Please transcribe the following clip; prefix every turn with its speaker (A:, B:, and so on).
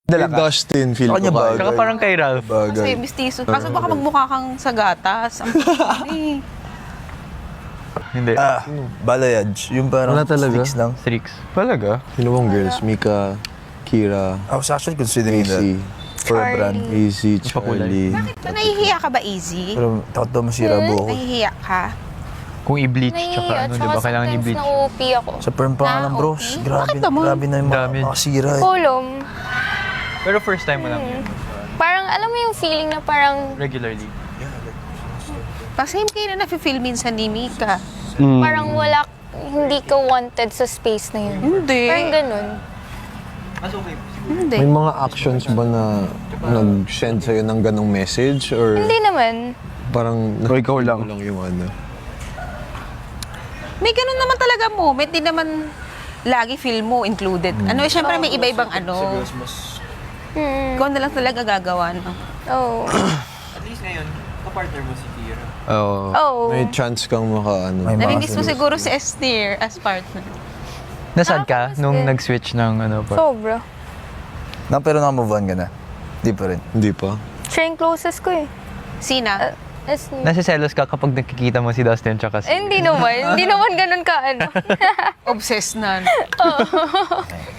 A: Kay Dustin, feel ko
B: Kanya bagay.
C: Saka parang kay Ralph.
D: Kasi
B: Bagay.
D: mistiso. Kaso baka magmukha kang sa gatas. Ang eh.
C: Hindi.
B: Balayage. Yung parang
A: Wala talaga?
B: sticks lang.
C: Strix.
A: Talaga? Sino bang girls? Mika, Kira,
B: I was actually considering that
A: Easy,
B: for a brand.
A: Easy,
C: Pakulay.
A: Charlie.
D: Nahihiya ka ba, Easy?
B: Pero takot daw masira buhok ko.
D: Nahihiya ka?
C: Kung i-bleach, tsaka
E: Nahihiya.
C: ano,
E: Tsaka
C: di ba? Kailangan
E: sometimes
C: i-bleach.
E: na-OP ako.
B: Sa perm pa nga lang, bros.
D: okay.
B: Grabe,
D: Bakit naman?
B: grabe na yung
C: Damage.
B: makasira eh.
E: Kulom.
C: Pero first time mo lang yun.
E: Parang alam mo yung feeling na parang
C: Regularly.
D: Pa-same kayo na nafe-feel minsan ni Mika.
E: parang wala, hindi ka wanted sa space na yun.
D: Hindi.
E: Parang ganun.
D: Hindi.
A: May mga actions ba na nag-send sa'yo ng ganong message? Or
E: Hindi naman.
A: parang
C: O ikaw lang.
A: yung ano?
D: May ganun naman talaga moment. Di naman lagi feel mo included. Ano, syempre may iba-ibang ano. Ikaw na lang talaga gagawa, no?
E: Oh.
F: At least ngayon, kapartner mo si Kira.
A: Oo.
E: Oh.
A: May chance kang maka-ano.
B: May
D: Namimiss mo
B: mga-
D: siguro si Esther as partner.
C: Nasad ka
E: Nakakamiss
C: nung
E: din.
C: nag-switch ng ano pa?
E: Sobra.
B: Pero naka-move on ka na. Di pa rin.
A: Hindi pa.
E: Siya yung closest ko eh.
D: Sina?
C: Nasiselos ka kapag nakikita mo si Dustin tsaka si...
E: Hindi naman. Hindi naman ganun ka ano.
D: Obsessed na.